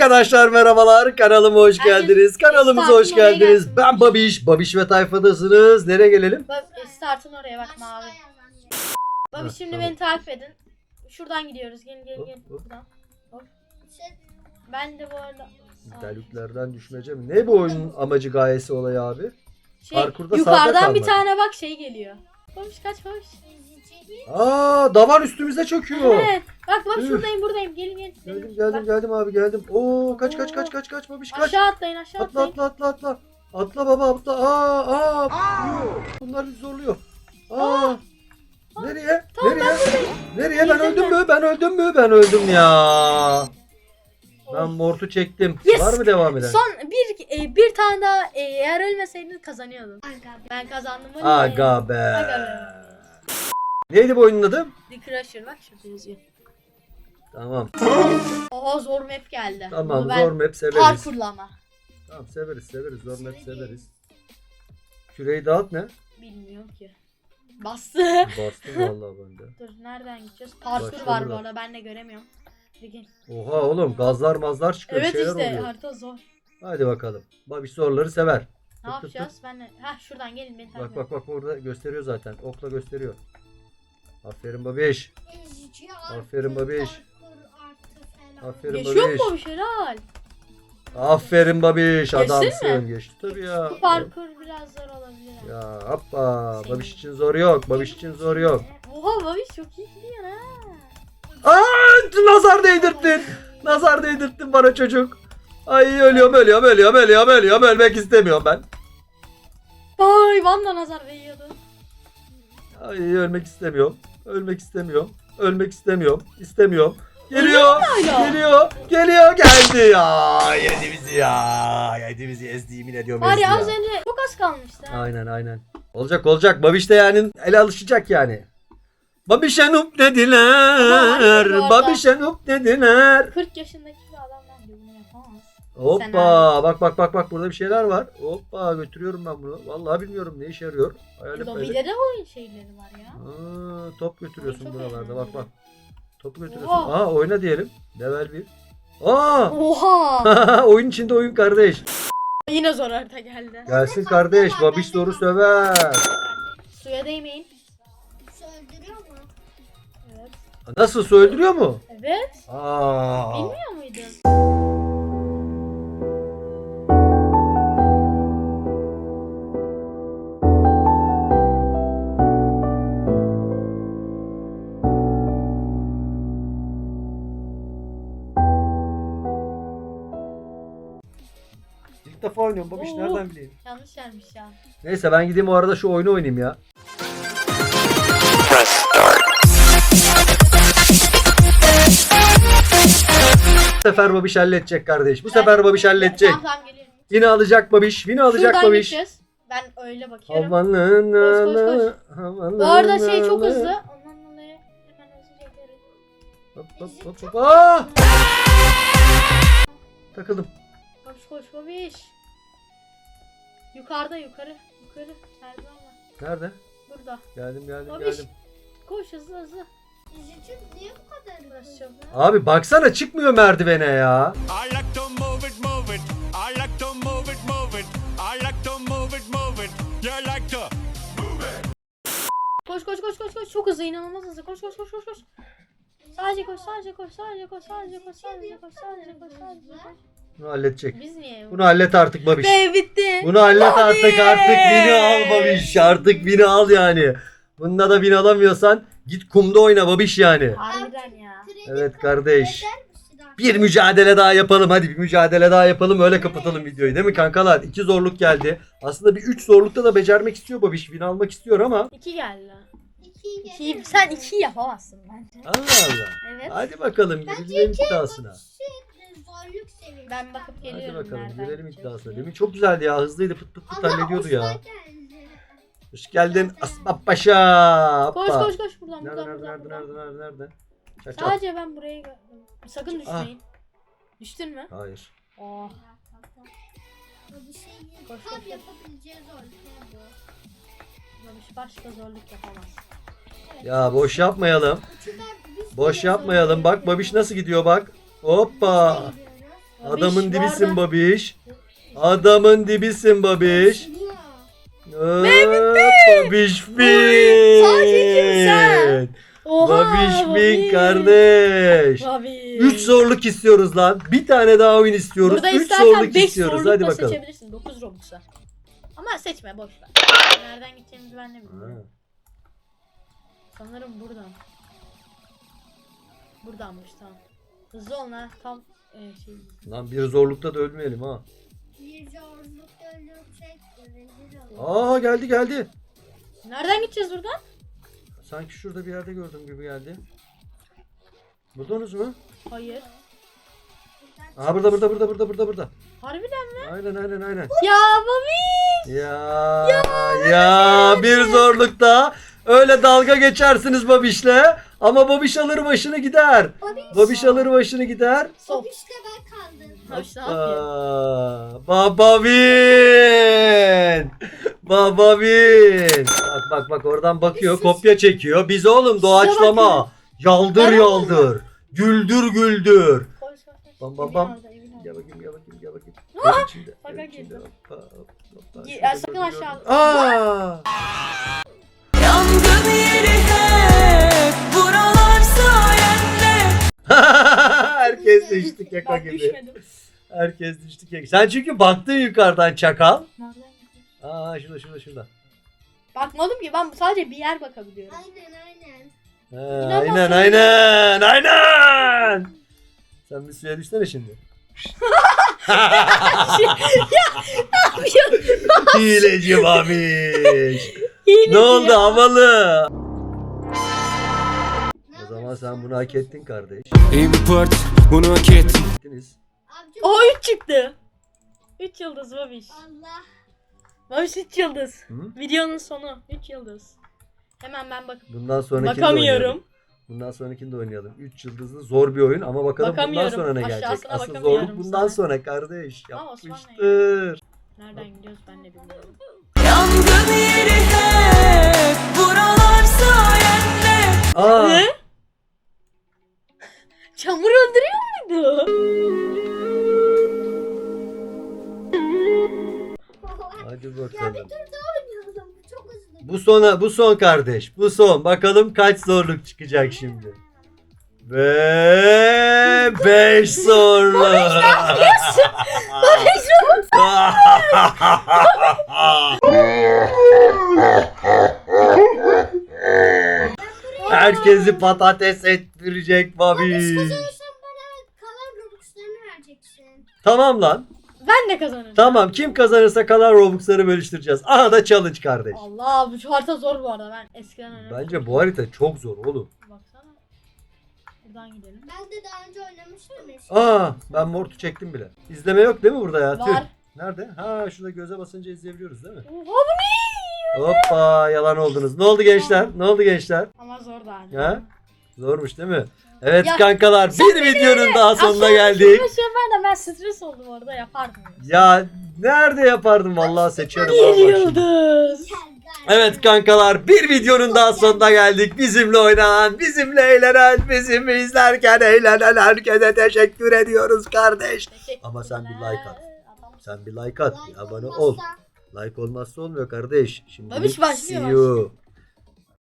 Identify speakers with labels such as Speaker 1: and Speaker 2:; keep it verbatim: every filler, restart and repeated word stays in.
Speaker 1: Arkadaşlar merhabalar, kanalıma hoş geldiniz. Kanalımıza hoş
Speaker 2: Start'ın oraya
Speaker 1: geldiniz.
Speaker 2: geldim.
Speaker 1: Ben Babiş, Babiş ve tayfadasınız. Nereye gelelim?
Speaker 2: Bak startın oraya bak mavi. Bak
Speaker 1: Ha,
Speaker 2: şimdi
Speaker 1: tamam.
Speaker 2: beni takip edin. Şuradan gidiyoruz. Gelin gelin
Speaker 1: Hop,
Speaker 2: gelin.
Speaker 1: hop.
Speaker 2: Buradan. Hop. Ben de bu arada
Speaker 1: Deliklerden düşmeyeceğim. Ne bu oyunun amacı, gayesi, olayı abi?
Speaker 2: şey,
Speaker 1: Parkurda sağda
Speaker 2: yukarıdan bir
Speaker 1: kalmak.
Speaker 2: tane bak şey geliyor. Babiş kaç babiş.
Speaker 1: Aa, davar üstümüze çöküyor.
Speaker 2: Evet. Bak bak
Speaker 1: Üf.
Speaker 2: şuradayım buradayım. Gelin gelin.
Speaker 1: Geldim geldim
Speaker 2: Bak,
Speaker 1: geldim abi geldim. Oo, kaç kaç kaç kaç kaç Babiş kaç.
Speaker 2: aşağı atlayın aşağı
Speaker 1: Atla
Speaker 2: atlayın.
Speaker 1: atla atla atla. Atla baba atla. Aa aa. Bunlar bizi zorluyor. Aa. Nereye?
Speaker 2: Tamam,
Speaker 1: Nereye? Nereye? Ben
Speaker 2: Girdim
Speaker 1: öldüm
Speaker 2: ben.
Speaker 1: mü? Ben öldüm mü? Ben öldüm ya. Ben mortu çektim.
Speaker 2: Yes.
Speaker 1: Var mı devam eden?
Speaker 2: Son bir e, bir tane daha e, eğer ölmeseydiniz kazanıyordun. Ben kazandım. öyle mi?
Speaker 1: Aga be.
Speaker 2: Aga be.
Speaker 1: Neydi bu oyunun adı?
Speaker 2: The Crusher bak şurada yazıyor.
Speaker 1: Tamam.
Speaker 2: Oha zor map geldi.
Speaker 1: Tamam,
Speaker 2: Bunu ben
Speaker 1: zor map severiz.
Speaker 2: parkurlama.
Speaker 1: Tamam, severiz severiz. Zor map severiz. Küreyi dağıt ne?
Speaker 2: Bilmiyorum ki. Bastı.
Speaker 1: Bastım vallahi ben de.
Speaker 2: Dur nereden gideceğiz? Parkur
Speaker 1: Başla
Speaker 2: var bu
Speaker 1: buradan.
Speaker 2: arada ben de göremiyorum. Peki.
Speaker 1: Oha oğlum, gazlar mazlar çıkıyor.
Speaker 2: Evet
Speaker 1: şeyler
Speaker 2: işte
Speaker 1: oluyor.
Speaker 2: harita zor.
Speaker 1: Hadi bakalım. Babiş zorları sever.
Speaker 2: Ne
Speaker 1: Tık tık tık.
Speaker 2: yapacağız? Ben de... Heh şuradan gelin beni takip
Speaker 1: Bak bak bak, orada gösteriyor zaten. Okla gösteriyor. Aferin Babiş. Aferin Babiş. Aferin
Speaker 2: Geçiyor
Speaker 1: Babiş.
Speaker 2: mu bir şey helal?
Speaker 1: Aferin Babiş.
Speaker 2: Geçtin
Speaker 1: Adamsın.
Speaker 2: mi?
Speaker 1: Geçti tabii ya.
Speaker 2: Bu parkur biraz zor olabilir. ama.
Speaker 1: Ya hoppa. Babiş için zor yok. Babiş için zor yok.
Speaker 2: Oha Babiş çok iyi gidiyor ha.
Speaker 1: Aa, nazar değdirttin. Nazar değdirttin bana çocuk. Ay ölüyorum ölüyorum ölüyorum ölüyorum ölüyorum. Ölmek istemiyorum ben.
Speaker 2: Vay Van'da nazar değiyordu.
Speaker 1: Ay ölmek istemiyorum. Ölmek istemiyorum. Ölmek istemiyorum. İstemiyorum. Geliyor.
Speaker 2: hala?
Speaker 1: Geliyor. Geliyor. Geldi ya. Yedi bizi ya. Yedi bizi ezdi, yemin ediyorum ezdi
Speaker 2: Var ya az
Speaker 1: ya.
Speaker 2: önce çok az kalmıştı. ha.
Speaker 1: Aynen aynen. Olacak olacak. Babiş de yani ele alışacak yani. Babişe nup dediler.
Speaker 2: Ama bu arada-
Speaker 1: Babişe nup dediler.
Speaker 2: kırk yaşındaki bir adam bence bunu yapamaz.
Speaker 1: Hoppa. Bak bak bak bak, burada bir şeyler var. Hoppa, götürüyorum ben bunu. Vallahi bilmiyorum ne işe yarıyor. Hayalet hayalet.
Speaker 2: Lobide de oyun şeyleri var ya.
Speaker 1: Aa, top götürüyorsun
Speaker 2: Çok
Speaker 1: buralarda,
Speaker 2: eğlenceli.
Speaker 1: bak bak. Topu götürüyorsun.
Speaker 2: Oha.
Speaker 1: Aa, oyna diyelim. Level bir. Aa!
Speaker 2: Oha.
Speaker 1: Oyun içinde oyun kardeş.
Speaker 2: Yine zor harita geldi.
Speaker 1: Gelsin kardeş. Babiş doğru söver.
Speaker 2: Suya değmeyin.
Speaker 3: Öldürüyor mu?
Speaker 2: Evet.
Speaker 1: Nasıl, su öldürüyor mu?
Speaker 2: Evet.
Speaker 1: Aa.
Speaker 2: Bilmiyor muydun?
Speaker 1: İlk defa oynuyorum Babiş,
Speaker 2: Oo.
Speaker 1: nereden bileyim?
Speaker 2: Yanlış yermiş ya.
Speaker 1: Neyse ben gideyim o arada şu oyunu oynayayım ya. Bu sefer Babiş halledecek kardeş. Bu sefer Babiş halledecek.
Speaker 2: Tamam tamam geliyorum.
Speaker 1: Yine alacak Babiş. Yine alacak
Speaker 2: Şuradan
Speaker 1: Babiş.
Speaker 2: gideceğiz. Ben öyle bakıyorum.
Speaker 1: Havanın
Speaker 2: Koş, koş, koş.
Speaker 1: havanın
Speaker 2: Bu arada şey çok hızlı. Ondan dolayı hemen hızlıca giderim.
Speaker 1: Hop hop hop hop. Aa! Takıldım.
Speaker 2: Koş koş babiş. Yukarıda yukarı. Yukarı. Merdiven var.
Speaker 1: Nerede?
Speaker 2: Burada.
Speaker 1: Geldim geldim
Speaker 2: Babiş.
Speaker 1: geldim.
Speaker 2: Koş hızlı hızlı.
Speaker 3: Üzücü niye bu kadar
Speaker 2: Burası çok güzel.
Speaker 1: Abi baksana, çıkmıyor merdivene ya.
Speaker 4: I like to move it, move it. I like to move it, move it. I like to move it, move it. You like to.
Speaker 2: Koş koş koş koş koş. Çok hızlı, inanılmaz hızlı. Koş koş koş koş koş. Sadece koş, sadece koş, sadece koş, sadece koş, sadece koş, sadece koş, sadece koş.
Speaker 1: Bunu halledecek.
Speaker 2: Biz niye?
Speaker 1: Bunu hallet artık Babiş.
Speaker 2: Be bitti.
Speaker 1: Bunu hallet
Speaker 2: Hadi.
Speaker 1: artık, artık bini al Babiş. Artık bini al yani. Bunda da bin alamıyorsan git kumda oyna Babiş yani.
Speaker 2: Harbiden ya.
Speaker 1: Evet kardeş.
Speaker 3: eder misin artık?
Speaker 1: Bir mücadele daha yapalım, hadi bir mücadele daha yapalım, öyle kapatalım videoyu değil mi kankalar? İki zorluk geldi. Aslında bir üç zorlukta da becermek istiyor Babiş. Win almak istiyor ama.
Speaker 2: İki geldi.
Speaker 3: İkiyi
Speaker 2: İkiyi,
Speaker 3: gelir
Speaker 2: sen
Speaker 3: mi?
Speaker 2: iki yapamazsın bence.
Speaker 1: Allah Allah.
Speaker 2: Evet.
Speaker 1: Hadi bakalım, girelim iddiasına.
Speaker 3: Şey, zorluk seviyesi.
Speaker 2: Ben bakıp
Speaker 1: Hadi
Speaker 2: geliyorum
Speaker 1: bakalım,
Speaker 2: nereden
Speaker 1: girelim
Speaker 2: gideceğiz
Speaker 1: iddiasına.
Speaker 2: diye.
Speaker 1: Demin çok güzeldi ya, hızlıydı, pıt pıt pıt
Speaker 3: Ama
Speaker 1: hallediyordu
Speaker 3: Osman
Speaker 1: ya.
Speaker 3: geldi.
Speaker 1: Hoş geldin Aslan Paşa.
Speaker 2: Koş
Speaker 1: Hoppa.
Speaker 2: koş koş buradan
Speaker 1: Nerede
Speaker 2: buradan
Speaker 1: nerede
Speaker 2: buradan.
Speaker 1: nerede
Speaker 2: buradan.
Speaker 1: nerede nerede nerede? Çak çak.
Speaker 2: Sadece ben buraya gördüm. Sakın düşmeyin. Düştün mü?
Speaker 1: Hayır.
Speaker 2: Oh.
Speaker 3: Bu bir şey değil.
Speaker 2: Koş,
Speaker 3: Tam
Speaker 2: koş.
Speaker 3: yapabileceği zorluk ne bu?
Speaker 2: Babiş başka zorluk yapamaz.
Speaker 1: Ya boş yapmayalım.
Speaker 3: Çünkü biz
Speaker 1: Boş
Speaker 3: de
Speaker 1: yapmayalım. Bak Babiş nasıl gidiyor bak. Hoppa.
Speaker 3: gidiyoruz.
Speaker 1: Adamın
Speaker 2: bu
Speaker 1: dibisin
Speaker 2: arada-
Speaker 1: babiş. Adamın dibisin babiş.
Speaker 3: Niye?
Speaker 1: Hop, babiş fin.
Speaker 2: Sadece kimsen. Oha.
Speaker 1: Babiş fin
Speaker 2: Babiş.
Speaker 1: kardeş.
Speaker 2: Babiş.
Speaker 1: üç zorluk istiyoruz lan. Bir tane daha oyun istiyoruz.
Speaker 2: Burada
Speaker 1: üç
Speaker 2: istersen
Speaker 1: zorluk
Speaker 2: beş
Speaker 1: istiyoruz.
Speaker 2: zorluk
Speaker 1: Hadi
Speaker 2: da
Speaker 1: bakalım.
Speaker 2: seçebilirsin. dokuz Robux'a. Ama seçme boş ver. Nereden gideceğimizi ben de bilmiyorum.
Speaker 1: Ha.
Speaker 2: Sanırım buradan. Buradanmış tamam. Hızlı ol lan tam e, şey.
Speaker 1: Lan bir zorlukta da ölmeyelim ha.
Speaker 3: Bir zorluk öldürecek. Rezil olur.
Speaker 1: Aa geldi geldi.
Speaker 2: Nereden gideceğiz buradan?
Speaker 1: Sanki şurada bir yerde gördüm gibi geldi. Buldunuz mu?
Speaker 2: Hayır.
Speaker 1: Aha burada burada burada burada burada burada.
Speaker 2: Harbiden mi?
Speaker 1: Aynen aynen aynen.
Speaker 2: Ya Babiş.
Speaker 1: Ya ya, bir zorlukta öyle dalga geçersiniz Babiş'le ama Babiş alır başını gider.
Speaker 3: Babiş.
Speaker 1: Babiş alır başını gider.
Speaker 2: Sok.
Speaker 3: Babiş'le ben kaldım.
Speaker 2: Babiş ne yapıyor?
Speaker 1: Aa, Babavin. Babavin. Bak bak bak oradan bakıyor, kopya çekiyor. Biz oğlum doğaçlama. Yaldır
Speaker 2: Ben
Speaker 1: yaldır. Güldür güldür.
Speaker 2: Koş koş koş.
Speaker 1: Bam, bam,
Speaker 2: Evin
Speaker 1: bam.
Speaker 2: orada, evin orada.
Speaker 1: Gel bakayım gel bakayım gel bakayım.
Speaker 2: Ah!
Speaker 1: Ev içinde,
Speaker 2: Bak,
Speaker 1: ev
Speaker 2: bak,
Speaker 1: içinde.
Speaker 2: girdim.
Speaker 1: Hoppa, hoppa,
Speaker 2: Gi-
Speaker 1: şurada
Speaker 2: e, sakın
Speaker 1: gördüm,
Speaker 2: aşağı-
Speaker 1: gördüm. Aa!
Speaker 5: Yangın yeri hep buralar sayende.
Speaker 1: Herkes düştü keko
Speaker 2: Ben
Speaker 1: gibi.
Speaker 2: düşmedim.
Speaker 1: Herkes düştü keko. Sen çünkü baktın yukarıdan çakal.
Speaker 2: Nereden gideceğiz?
Speaker 1: Aa şurada şurada şurada.
Speaker 2: Bakmadım ki ben sadece bir yer bakabiliyorum.
Speaker 3: Aynen aynen.
Speaker 1: Ha,
Speaker 2: İnanmazsın.
Speaker 1: aynen aynen aynen. Sen bir suya düşsene şimdi. Hileci babiş. Ne oldu
Speaker 2: ya?
Speaker 1: havalı?
Speaker 3: Ne
Speaker 1: O zaman
Speaker 3: yapıyorsun?
Speaker 1: sen bunu hak ettin kardeş.
Speaker 6: Import bunu hak ettim.
Speaker 1: Ettiniz.
Speaker 3: Abicim,
Speaker 2: O üç çıktı. üç yıldız Babiş.
Speaker 3: Allah.
Speaker 2: Babiş üç yıldız.
Speaker 1: Hı?
Speaker 2: Videonun sonu üç yıldız. Hemen ben bak
Speaker 1: Bundan sonrakini de oynayalım.
Speaker 2: bakamıyorum.
Speaker 1: Bundan sonrakini de oynayalım. üç yıldızlı zor bir oyun ama bakalım bundan
Speaker 2: Bakamıyorum.
Speaker 1: sonra ne gelecek.
Speaker 2: Aşağısına
Speaker 1: Asıl
Speaker 2: bakamıyorum
Speaker 1: zorluk bundan
Speaker 2: sana.
Speaker 1: sonra kardeş.
Speaker 2: Ama Osman ne?
Speaker 1: Yapmıştır.
Speaker 2: Nereden gidiyoruz ben de bilmiyorum.
Speaker 5: Yangın yeri hep buralar sayende.
Speaker 1: Aa,
Speaker 2: Ne? Çamur öldürüyor muydu?
Speaker 1: hadi
Speaker 3: Ya bir
Speaker 1: bakalım.
Speaker 3: tur daha oynayalım. Bu çok hızlı.
Speaker 1: Bu sona bu son kardeş. Bu son. Bakalım kaç zorluk çıkacak şimdi. Ve beş zorluk. Herkesi patates ettirecek babiş.
Speaker 3: Kazanırsam bana kalan Robux'larını vereceksin.
Speaker 1: Tamam lan.
Speaker 2: Ben de kazanırım.
Speaker 1: Tamam, kim kazanırsa kalan Robux'ları bölüştüreceğiz. Aha da challenge kardeş.
Speaker 2: Allah bu şu harita zor bu arada ben eskiden oynamıştım.
Speaker 1: Bence bu harita çok zor oğlum.
Speaker 2: Baksana. Buradan gidelim.
Speaker 3: Ben de daha önce oynamıştım eski.
Speaker 1: Aa, ben mortu çektim bile. İzleme yok değil mi burada ya? Tüh.
Speaker 2: Var.
Speaker 1: Nerede? Ha, şurada göze basınca izleyebiliyoruz değil mi?
Speaker 2: Oha bu ne?
Speaker 1: Hoppa, yalan oldunuz. Ne oldu gençler? Ne oldu gençler?
Speaker 2: Ama zor da hani.
Speaker 1: Ha? Zormuş değil mi? Evet
Speaker 2: Ya,
Speaker 1: kankalar, bir videonun daha sonuna geldik.
Speaker 2: Aslında ben de ben stres oldum orada yapardım.
Speaker 1: Ya nerede yapardım vallahi seçerim.
Speaker 2: Bir
Speaker 1: Allah şimdi.
Speaker 2: yıldız.
Speaker 1: Evet kankalar, bir videonun daha sonuna geldik. Bizimle oynanan, bizimle eğlenen, bizimle izlerken eğlenen herkese teşekkür ediyoruz kardeş. Ama sen bir like at.
Speaker 2: Adam-
Speaker 1: Sen bir like at, bir
Speaker 3: Like
Speaker 1: abone
Speaker 3: olmazsa-
Speaker 1: ol. Like olmazsa olmuyor kardeş. Şimdi
Speaker 2: Babiş başlıyor,
Speaker 1: see you.